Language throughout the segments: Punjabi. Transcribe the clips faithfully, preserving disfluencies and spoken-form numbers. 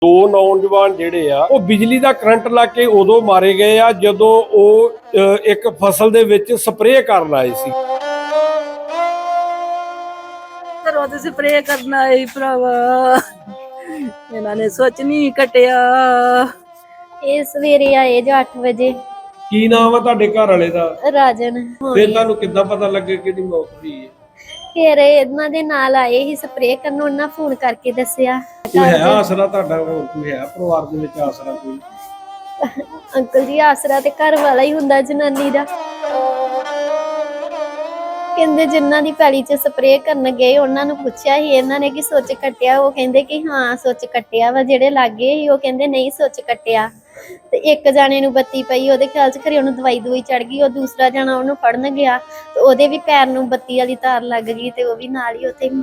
ਦੋ ਨੌਜਵਾਨ ਜਿਹੜੇ ਆ ਉਹ ਬਿਜਲੀ ਦਾ ਕਰੰਟ ਲਾ ਕੇ ਉਦੋਂ ਮਾਰੇ ਗਏ ਆ ਜਦੋਂ ਉਹ ਇੱਕ ਫਸਲ ਦੇ ਵਿੱਚ ਸਪਰੇਅ ਕਰਨ ਆਏ ਸੀ। ਘਰੋਂ ਤੇ ਸਪਰੇਅ ਕਰਨ ਆਏ ਭਰਾਵਾ, ਇਹਨਾਂ ਨੇ ਸੋਚ ਨਹੀਂ ਕੱਟਿਆ। ਇਹ ਸਵੇਰੇ ਆਏ ਜੋ ਅੱਠ ਵਜੇ। ਕੀ ਨਾਮ ਆ ਤੁਹਾਡੇ ਘਰ ਵਾਲੇ ਦਾ? ਰਾਜਨ। ਫਿਰ ਤੁਹਾਨੂੰ ਕਿੱਦਾਂ ਪਤਾ ਲੱਗੇ ਕਿ ਇਹਦੀ ਮੌਤ ਹੋਈ ਹੈ? ਫਿਰ ਇਹਨਾਂ ਦੇ ਨਾਲ ਆਏ ਹੀ ਸਪਰੇਅ ਕਰਨ, ਉਹਨਾਂ ਫੋਨ ਕਰਕੇ ਦੱਸਿਆ। ਕੋਈ ਹੈ ਆਸਰਾ ਤੁਹਾਡਾ? ਹੋਰ ਕੋਈ ਹੈ ਪਰਿਵਾਰ ਦੇ ਵਿੱਚ ਆਸਰਾ ਕੋਈ? ਅੰਕਲ ਜੀ ਆਸਰਾ ਤੇ ਘਰ ਵਾਲਾ ਹੀ ਹੁੰਦਾ ਜਨਾਨੀ ਦਾ। ਕਹਿੰਦੇ ਜਿਨ੍ਹਾਂ ਦੀ ਪੈਲੀ 'ਚ ਸਪਰੇਅ ਕਰਨ ਗਏ ਉਹਨਾਂ ਨੂੰ ਪੁੱਛਿਆ ਸੀ ਇਹਨਾਂ ਨੇ ਕਿ ਸੁੱਚ ਕੱਟਿਆ, ਉਹ ਕਹਿੰਦੇ ਕਿ ਹਾਂ ਸੁੱਚ ਕੱਟਿਆ ਵਾ। ਜਿਹੜੇ ਲਾਗੇ ਸੀ ਉਹ ਕਹਿੰਦੇ ਨਹੀਂ ਸੁੱਚ ਕੱਟਿਆ। ਤੇ ਇੱਕ ਜਾਣੇ ਨੂੰ ਬੱਤੀ ਪਈ, ਉਹਦੇ ਖਿਆਲ 'ਚ ਖਰੇ ਉਹਨੂੰ ਦਵਾਈ ਦਵਾਈ ਚੜ ਗਈ। ਉਹ ਦੂਸਰਾ ਜਾਣਾ ਉਹਨੂੰ ਫੜਨ ਗਿਆ ਤੇ ਉਹਦੇ ਵੀ ਪੈਰ ਨੂੰ ਬੱਤੀ ਵਾਲੀ ਤਾਰ ਲੱਗ ਗਈ ਤੇ ਉਹ ਵੀ ਨਾਲ ਹੀ ਉੱਥੇ।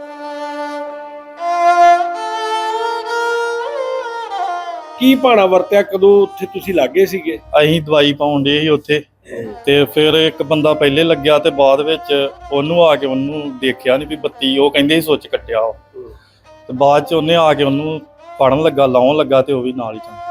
ਕੀ ਭਾਣਾ ਵਰਤਿਆ? ਕਦੋਂ ਉੱਥੇ ਤੁਸੀਂ ਲਾਗੇ ਸੀਗੇ? ਅਸੀਂ ਦਵਾਈ ਪਾਉਣ ਦੇ ਸੀ ਉੱਥੇ, ਤੇ ਫਿਰ ਇੱਕ ਬੰਦਾ ਪਹਿਲੇ ਲੱਗਿਆ ਤੇ ਬਾਅਦ ਵਿੱਚ ਉਹਨੂੰ ਆ ਕੇ ਉਹਨੂੰ ਦੇਖਿਆ ਨਹੀਂ ਵੀ ਬੱਤੀ, ਉਹ ਕਹਿੰਦੇ ਸੀ ਸੁੱਚ ਕੱਟਿਆ ਵਾ। ਤੇ ਬਾਅਦ ਚ ਉਹਨੇ ਆ ਕੇ ਉਹਨੂੰ ਫੜਨ ਲੱਗਾ, ਲਾਉਣ ਲੱਗਾ ਤੇ ਉਹ ਵੀ ਨਾਲ ਹੀ ਚੰਗਾ।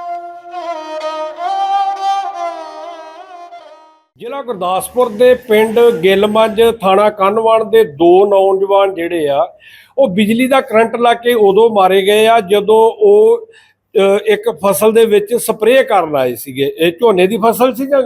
ਜ਼ਿਲ੍ਹਾ ਗੁਰਦਾਸਪੁਰ ਦੇ ਪਿੰਡ ਗਿੱਲਮੱਝ, ਥਾਣਾ ਕੰਨਵਾਨ ਦੇ ਦੋ ਨੌਜਵਾਨ ਜਿਹੜੇ ਆ ਉਹ ਬਿਜਲੀ ਦਾ ਕਰੰਟ ਲਾ ਕੇ ਉਦੋਂ ਮਾਰੇ ਗਏ ਆ ਜਦੋਂ ਉਹ ਇੱਕ ਫਸਲ ਦੇ ਵਿੱਚ ਸਪਰੇਅ ਕਰਨ ਆਏ ਸੀਗੇ। ਇਹ ਝੋਨੇ ਦੀ ਫਸਲ ਸੀ ਜਾਂ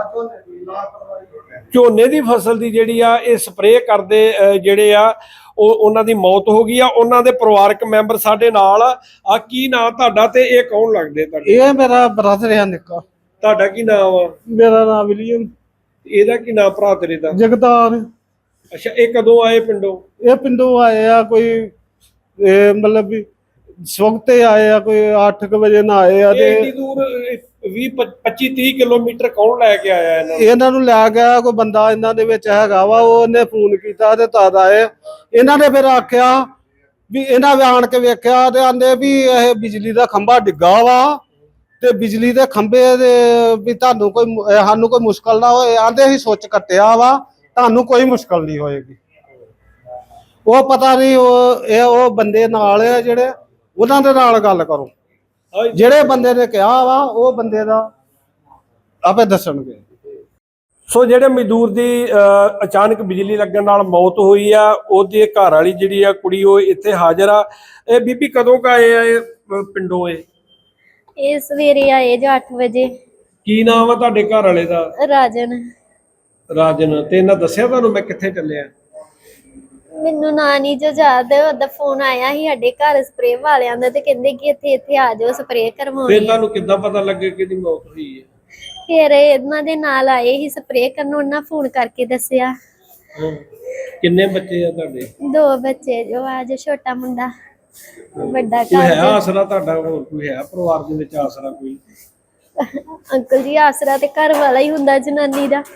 ਝੋਨੇ ਦੀ ਫਸਲ ਦੀ ਜਿਹੜੀ ਆ ਇਹ ਸਪਰੇਅ ਕਰਦੇ ਜਿਹੜੇ ਆ ਉਹ ਉਹਨਾਂ ਦੀ ਮੌਤ ਹੋ ਗਈ ਆ। ਉਹਨਾਂ ਦੇ ਪਰਿਵਾਰਕ ਮੈਂਬਰ ਸਾਡੇ ਨਾਲ ਆ। ਕੀ ਨਾਂ ਤੁਹਾਡਾ ਤੇ ਇਹ ਕੌਣ ਲੱਗਦੇ ਤੁਹਾਡੇ? ਇਹ ਮੇਰਾ ਬ੍ਰਦਰ ਆ ਨਿੱਕਾ। ਤੁਹਾਡਾ ਕੀ ਨਾਮ ਆ? ਮੇਰਾ ਨਾਮ ਵਿਲੀਅਮ। ਇਹਦਾ ਕੀ ਨਾਮ ਭਰਾ ਤੇਰੇ ਦਾ? ਜਗਤਾਰ। ਅੱਛਾ, ਇਹ ਕਦੋਂ ਆਏ ਪਿੰਡੋਂ? ਇਹ ਪਿੰਡੋਂ ਆਏ ਆ ਕੋਈ ਇਹ ਮਤਲਬ ਵੀ ਸਵਖਤੇ ਆਏ ਆ, ਕੋਈ ਅੱਠ ਕੁ ਵਜੇ ਨਾ ਆਏ ਆ। ਤੇ ਇੰਨੀ ਦੂਰ ਵੀਹ ਪੱਚੀ ਤੀਹ ਕਿਲੋਮੀਟਰ ਕੌਣ ਲੈ ਕੇ ਆਇਆ ਇਹਨਾਂ ਨੂੰ? ਇਹਨਾਂ ਨੂੰ ਲੈ ਗਿਆ ਕੋਈ ਬੰਦਾ ਇਹਨਾਂ ਦੇ ਵਿੱਚ ਹੈਗਾ ਵਾ, ਉਹਨੇ ਫੋਨ ਕੀਤਾ ਤੇ ਤਦ ਆਏ। ਇਹਨਾਂ ਨੇ ਫਿਰ ਆਖਿਆ ਵੀ ਇਹਨਾਂ ਆਣ ਕੇ ਵੇਖਿਆ ਤੇ ਆਂਦੇ ਵੀ ਇਹ ਬਿਜਲੀ ਦਾ ਖੰਭਾ ਡਿੱਗਾ ਵਾ ਤੇ ਬਿਜਲੀ ਦੇ ਖੰਭੇ ਦੇ ਵੀ ਤੁਹਾਨੂੰ ਕੋਈ ਸਾਨੂੰ ਕੋਈ ਮੁਸ਼ਕਲ ਨਾ ਹੋਏ। ਆਂਦੇ ਅਸੀਂ ਸੁੱਚ ਕੱਟਿਆ ਵਾ, ਤੁਹਾਨੂੰ ਕੋਈ ਮੁਸ਼ਕਲ ਨਹੀਂ ਹੋਏਗੀ। ਉਹ ਪਤਾ ਨਹੀਂ ਉਹ ਇਹ ਉਹ ਬੰਦੇ ਨਾਲ ਆ ਜਿਹੜੇ, ਉਹਨਾਂ ਦੇ ਨਾਲ ਗੱਲ ਕਰੋ। ਜਿਹੜੇ ਬੰਦੇ ਨੇ ਕਿਹਾ ਵਾ ਉਹ ਬੰਦੇ ਦਾ ਆਪੇ ਦੱਸਣਗੇ। ਸੋ ਜਿਹੜੇ ਮਜ਼ਦੂਰ ਦੀ ਅਚਾਨਕ ਬਿਜਲੀ ਲੱਗਣ ਨਾਲ ਮੌਤ ਹੋਈ ਆ, ਉਹਦੀ ਘਰ ਵਾਲੀ ਜਿਹੜੀ ਆ ਕੁੜੀ ਉਹ ਇੱਥੇ ਹਾਜ਼ਰ ਆ। ਇਹ ਬੀਬੀ ਕਦੋਂ ਕ ਆਏ ਆ ਇਹ ਪਿੰਡੋਂ? ਇਹ ਇਹ ਸਵੇਰੇ ਆਏ ਜੋ ਅੱਠ ਵਜੇ। ਕੀ ਨਾਮ ਆ ਤੁਹਾਡੇ ਘਰ ਵਾਲੇ ਦਾ? ਰਾਜਨ। ਰਾਜਨ। ਤੇ ਇਹਨਾਂ ਦੱਸਿਆ ਤੁਹਾਨੂੰ ਮੈਂ ਕਿੱਥੇ ਚੱਲਿਆ? ਮੈਨੂੰ ਨਾਂ ਨਹੀਂ ਜੋ ਯਾਦ। ਉਹਦਾ ਫੋਨ ਆਇਆ ਸੀ ਸਾਡੇ ਘਰ ਸਪਰੇਅ ਵਾਲਿਆਂ ਦਾ ਤੇ ਕਹਿੰਦੇ ਕਿ ਇੱਥੇ ਇੱਥੇ ਆ ਜਾਓ ਸਪਰੇਅ ਕਰਵਾਉਣੀ। ਫਿਰ ਤੁਹਾਨੂੰ ਕਿੱਦਾਂ ਪਤਾ ਲੱਗੇ ਕਿ ਇਹਦੀ ਮੌਤ ਹੋਈ ਹੈ? ਫਿਰ ਇਹਨਾਂ ਦੇ ਨਾਲ ਆਏ ਹੀ ਸਪਰੇਅ ਕਰਨ, ਉਹਨਾਂ ਫੋਨ ਕਰਕੇ ਦੱਸਿਆ। ਕਿੰਨੇ ਬੱਚੇ ਆ ਤੁਹਾਡੇ? ਦੋ ਬੱਚੇ ਜੋ ਆ, ਜੋ ਛੋਟਾ ਮੁੰਡਾ, ਵੱਡਾ ਕੋਈ ਹੈ ਘਰ। ਆਸਰਾ ਤੁਹਾਡਾ? ਹੋਰ ਕੋਈ ਹੈ ਪਰਿਵਾਰ ਦੇ ਵਿੱਚ ਆਸਰਾ ਕੋਈ? ਅੰਕਲ ਜੀ ਆਸਰਾ ਤੇ ਘਰ ਵਾਲਾ ਹੀ ਹੁੰਦਾ ਜਨਾਨੀ ਦਾ।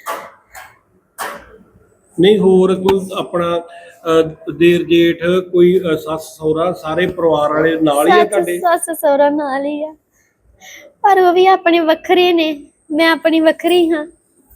ਨਹੀਂ ਹੋਰ ਕੋਈ ਆਪਣਾ ਦੇਰ ਜੇਠ, ਕੋਈ ਸੱਸ ਸਹੁਰਾ, ਸਾਰੇ ਪਰਿਵਾਰ ਵਾਲੇ ਨਾਲ ਹੀ ਆ ਤੁਹਾਡੇ? ਸੱਸ ਸਹੁਰਾ ਨਾਲ ਹੀ ਆ, ਪਰ ਉਹ ਵੀ ਆਪਣੇ ਵੱਖਰੇ ਨੇ, ਮੈਂ ਆਪਣੀ ਵੱਖਰੀ ਹਾਂ।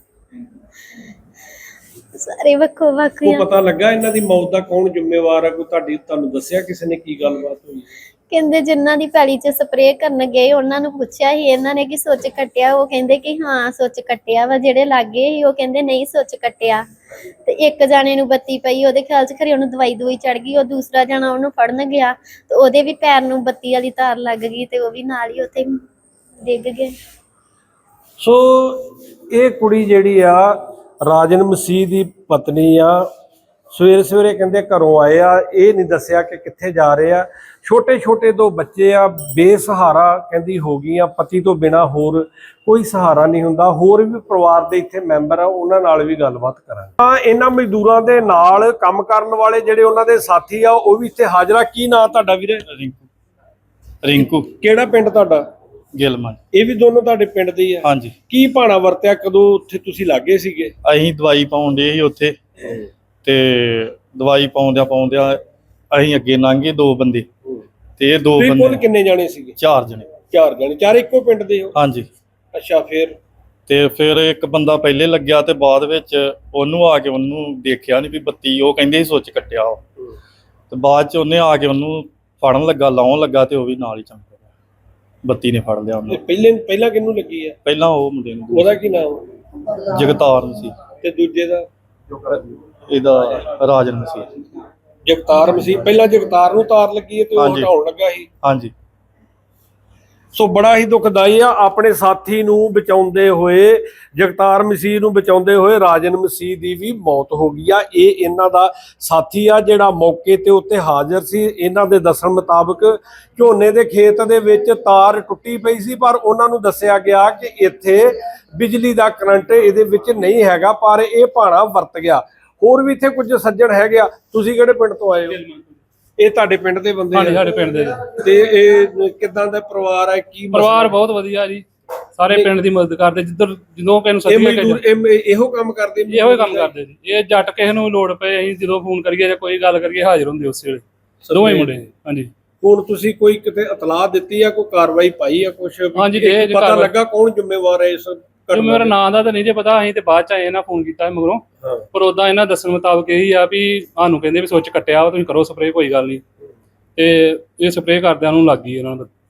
ਸਾਰੇ ਵੱਖੋ ਵੱਖ ਆ। ਉਹ ਪਤਾ ਲੱਗਾ ਇਹਨਾਂ ਦੀ ਮੌਤ ਦਾ ਕੌਣ ਜ਼ਿੰਮੇਵਾਰ ਹੈ? ਕੋਈ ਤੁਹਾਡੀ ਤੁਹਾਨੂੰ ਦੱਸਿਆ ਕਿਸੇ ਨੇ ਕੀ ਗੱਲਬਾਤ ਹੋਈ? ਕਹਿੰਦੇ ਜਿਨ੍ਹਾਂ ਦੀ ਪੈਲੀ 'ਚ ਸਪਰੇਅ ਕਰਨ ਗਏ ਉਹਨਾਂ ਨੂੰ ਪੁੱਛਿਆ ਸੀ ਇਹਨਾਂ ਨੇ ਕਿ ਸੁੱਚ ਕੱਟਿਆ, ਉਹ ਕਹਿੰਦੇ ਕਿ ਹਾਂ ਸੁੱਚ ਕੱਟਿਆ ਵਾ। ਜਿਹੜੇ ਲਾਗੇ ਸੀ ਉਹ ਕਹਿੰਦੇ ਨਹੀਂ ਸੁੱਚ ਕੱਟਿਆ। ਤੇ ਇੱਕ ਜਾਣੇ ਨੂੰ ਬੱਤੀ ਪਈ, ਉਹਦੇ ਖਿਆਲ 'ਚ ਖਰੇ ਉਹਨੂੰ ਦਵਾਈ ਦਵਾਈ ਚੜ ਗਈ। ਉਹ ਦੂਸਰਾ ਜਾਣਾ ਉਹਨੂੰ ਫੜਨ ਗਿਆ ਤੇ ਉਹਦੇ ਵੀ ਪੈਰ ਨੂੰ ਬੱਤੀ ਵਾਲੀ ਤਾਰ ਲੱਗ ਗਈ ਤੇ ਉਹ ਵੀ ਨਾਲ ਹੀ ਉੱਥੇ ਡਿੱਗ ਗਏ। ਸੋ ਇਹ ਕੁੜੀ ਜਿਹੜੀ ਆ ਰਾਜਨ ਮਸੀਹ ਦੀ ਪਤਨੀ ਆ। ਸਵੇਰੇ ਸਵੇਰੇ ਕਹਿੰਦੇ ਘਰੋਂ ਆਏ ਆ, ਇਹ ਨਹੀਂ ਦੱਸਿਆ ਕਿ ਕਿੱਥੇ ਜਾ ਰਹੇ ਆ। ਛੋਟੇ ਛੋਟੇ ਦੋ ਬੱਚੇ ਆ, ਬੇਸਹਾਰਾ ਕਹਿੰਦੀ ਹੋ ਗਈਆਂ। ਪਤੀ ਤੋਂ ਬਿਨਾ ਹੋਰ ਕੋਈ ਸਹਾਰਾ ਨਹੀਂ ਹੁੰਦਾ। ਹੋਰ ਵੀ ਪਰਿਵਾਰ ਦੇ ਇੱਥੇ ਮੈਂਬਰ ਆ, ਉਹਨਾਂ ਨਾਲ ਵੀ ਗੱਲਬਾਤ ਕਰਾਂਗੇ। ਤਾਂ ਇਹਨਾਂ ਮਜ਼ਦੂਰਾਂ ਦੇ ਨਾਲ ਕੰਮ ਕਰਨ ਵਾਲੇ ਜਿਹੜੇ ਉਹਨਾਂ ਦੇ ਸਾਥੀ ਆ ਉਹ ਵੀ ਇੱਥੇ ਹਾਜ਼ਰ ਆ। ਕੀ ਨਾਂ ਤੁਹਾਡਾ ਵੀਰੇ? ਰਿੰਕੂ। ਰਿੰਕੂ। ਕਿਹੜਾ ਪਿੰਡ ਤੁਹਾਡਾ? ਗਿੱਲਮੱਝ। ਇਹ ਵੀ ਦੋਨੋਂ ਤੁਹਾਡੇ ਪਿੰਡ ਦੇ ਹੀ ਆ? ਹਾਂਜੀ। ਕੀ ਭਾਣਾ ਵਰਤਿਆ? ਕਦੋਂ ਉੱਥੇ ਤੁਸੀਂ ਲਾਗੇ ਸੀਗੇ? ਅਸੀਂ ਦਵਾਈ ਪਾਉਣ ਦੇ ਸੀ ਉੱਥੇ, ਤੇ ਦਵਾਈ ਪਾਉਂਦਿਆਂ ਪਾਉਂਦਿਆਂ ਅਸੀਂ ਅੱਗੇ ਲੰਘੇ ਦੋ ਬੰਦੇ, ਤੇ ਇਹ ਦੋ ਬੰਦੇ ਕਿੰਨੇ ਜਾਣੇ ਸੀਗੇ? ਚਾਰ ਜਣੇ। ਚਾਰ ਜਣੇ? ਚਾਰੇ ਇੱਕੋ ਪਿੰਡ ਦੇ ਹੋ? ਹਾਂਜੀ। ਅੱਛਾ। ਫਿਰ ਤੇ ਫਿਰ ਇੱਕ ਬੰਦਾ ਪਹਿਲੇ ਲੱਗਿਆ ਤੇ ਬਾਅਦ ਵਿੱਚ ਉਹਨੂੰ ਆ ਕੇ ਉਹਨੂੰ ਦੇਖਿਆ ਨਹੀਂ ਵੀ ਬੱਤੀ, ਉਹ ਕਹਿੰਦੇ ਸੀ ਸੁੱਚ ਕੱਟਿਆ ਵਾ। ਤੇ ਬਾਅਦ ਚ ਉਹਨੇ ਆ ਕੇ ਉਹਨੂੰ ਫੜਨ ਲੱਗਾ ਲਾਉਣ ਲੱਗਾ ਤੇ ਉਹ ਵੀ ਨਾਲ ਹੀ ਚਮਕ ਗਿਆ, ਬੱਤੀ ਨੇ ਫੜ ਲਿਆ ਇਹ ਉਹਨੂੰ। ਪਹਿਲੇ ਪਹਿਲਾਂ ਕਿਹਨੂੰ ਲੱਗੀ ਆ? ਪਹਿਲਾਂ ਉਹ ਮੁੰਡੇ ਨੂੰ ਉਹਦਾ ਕੀ ਨਾਮ? ਜਗਤਾਰ ਸੀ, ਤੇ ਦੂਜੇ ਦਾ? ਇਹਦਾ ਰਾਜਨ ਮਸੀਹ। ਜਗਤਾਰ ਮਸੀਹ। ਪਹਿਲਾਂ ਜਗਤਾਰ ਨੂੰ ਤਾਰ ਲੱਗੀ ਹੈ ਤੇ ਉਹ ਹਾਂਜੀ। ਹਟਾਉਣ ਲੱਗਾ ਸੀ। ਹਾਂਜੀ। ਸੋ ਬੜਾ ਹੀ ਦੁਖਦਾਈ ਆ, ਆਪਣੇ ਸਾਥੀ ਨੂੰ ਬਚਾਉਂਦੇ ਹੋਏ, ਜਗਤਾਰ ਮਸੀਹ ਨੂੰ ਬਚਾਉਂਦੇ ਹੋਏ ਰਾਜਨ ਮਸੀਹ ਦੀ ਵੀ ਮੌਤ ਹੋ ਗਈ ਆ। ਇਹ ਇਹਨਾਂ ਦਾ ਸਾਥੀ ਆ ਜਿਹੜਾ ਮੌਕੇ ਤੇ ਉੱਤੇ ਹਾਜ਼ਰ ਸੀ। ਇਹਨਾਂ ਦੇ ਦੱਸਣ ਮੁਤਾਬਕ ਝੋਨੇ ਦੇ ਖੇਤ ਦੇ ਵਿੱਚ ਤਾਰ ਟੁੱਟੀ ਪਈ ਸੀ, ਪਰ ਉਹਨਾਂ ਨੂੰ ਦੱਸਿਆ ਗਿਆ ਕਿ ਇੱਥੇ ਬਿਜਲੀ ਦਾ ਕਰੰਟ ਇਹਦੇ ਵਿੱਚ ਨਹੀਂ ਹੈਗਾ, ਪਰ ਇਹ ਭਾਣਾ ਵਰਤ ਗਿਆ। ਹੋਰ ਵੀ ਇੱਥੇ ਕੁਝ ਸੱਜਣ ਹੈਗੇ ਆ। ਤੁਸੀਂ ਕਿਹੜੇ ਪਿੰਡ ਤੋਂ ਆਏ ਹੋ? ਇਹ ਤੁਹਾਡੇ ਪਿੰਡ ਦੇ ਬੰਦੇ ਹਾਂਜੀ, ਆ? ਸਾਡੇ ਪਿੰਡ ਦੇ ਜੀ। ਤੇ ਇਹ ਕਿਦਾਂ ਦਾ ਪਰਿਵਾਰ ਹੈ? ਕੀ ਪਰਿਵਾਰ ਬਹੁਤ ਵਧੀਆ ਜੀ, ਸਾਰੇ ਪਿੰਡ ਦੀ ਮਦਦ ਕਰਦੇ। ਜਿੱਧਰ ਜਦੋਂ ਕਿਸੇ ਨੂੰ ਇਹ ਸੱਦੀ ਮਜ਼ਦੂਰ ਇਹ ਇਹੋ ਕੰਮ ਕਰਦੇ ਨੇ? ਇਹੋ ਹੀ ਕੰਮ ਕਰਦੇ ਜੀ। ਇਹ ਜੱਟ ਕਿਸੇ ਨੂੰ ਲੋੜ ਪਏ ਅਸੀਂ ਜਦੋਂ ਫੋਨ ਕਰੀਏ ਜਾਂ ਕੋਈ ਗੱਲ ਕਰੀਏ ਹਾਜ਼ਰ ਹੁੰਦੇ ਉਸ ਵੇਲੇ, ਦੋਵੇਂ ਮੁੰਡੇ। ਹਾਂਜੀ। ਹੁਣ ਤੁਸੀਂ ਕੋਈ ਕਿਤੇ ਇਤਲਾਹ ਦਿੱਤੀ ਆ, ਕੋਈ ਕਾਰਵਾਈ ਪਾਈ ਆ ਕੁਛ? ਹਾਂਜੀ, ਇਹ ਇਹ ਪਤਾ ਕਾਰਵਾਈ- ਲੱਗਾ ਕੌਣ ਜ਼ਿੰਮੇਵਾਰ ਹੈ ਇਸ ਤੇ ਮੇਰਾ ਨਾਂ ਦਾ ਤਾਂ ਨਹੀਂ ਜੇ ਪਤਾ, ਅਸੀਂ ਤੇ ਬਾਅਦ ਚ ਆਏ ਨਾ ਫੋਨ ਕੀਤਾ ਮਗਰੋਂ। ਹਾਂ। ਪਰ ਉਦਾਂ ਇਹਨਾਂ ਦੱਸਣ ਮੁਤਾਬਕ ਇਹੀ ਆ ਵੀ ਸਾਨੂੰ ਕਹਿੰਦੇ ਵੀ ਸੁੱਚ ਕੱਟਿਆ ਵਾ, ਤੁਸੀਂ ਕਰੋ ਸਪਰੇਅ, ਕੋਈ ਗੱਲ ਨਹੀਂ। ਤੇ ਇਹ ਸਪਰੇਅ ਕਰਦਿਆਂ ਨੂੰ ਲੱਗ ਗਈ ਇਹਨਾਂ ਦਾ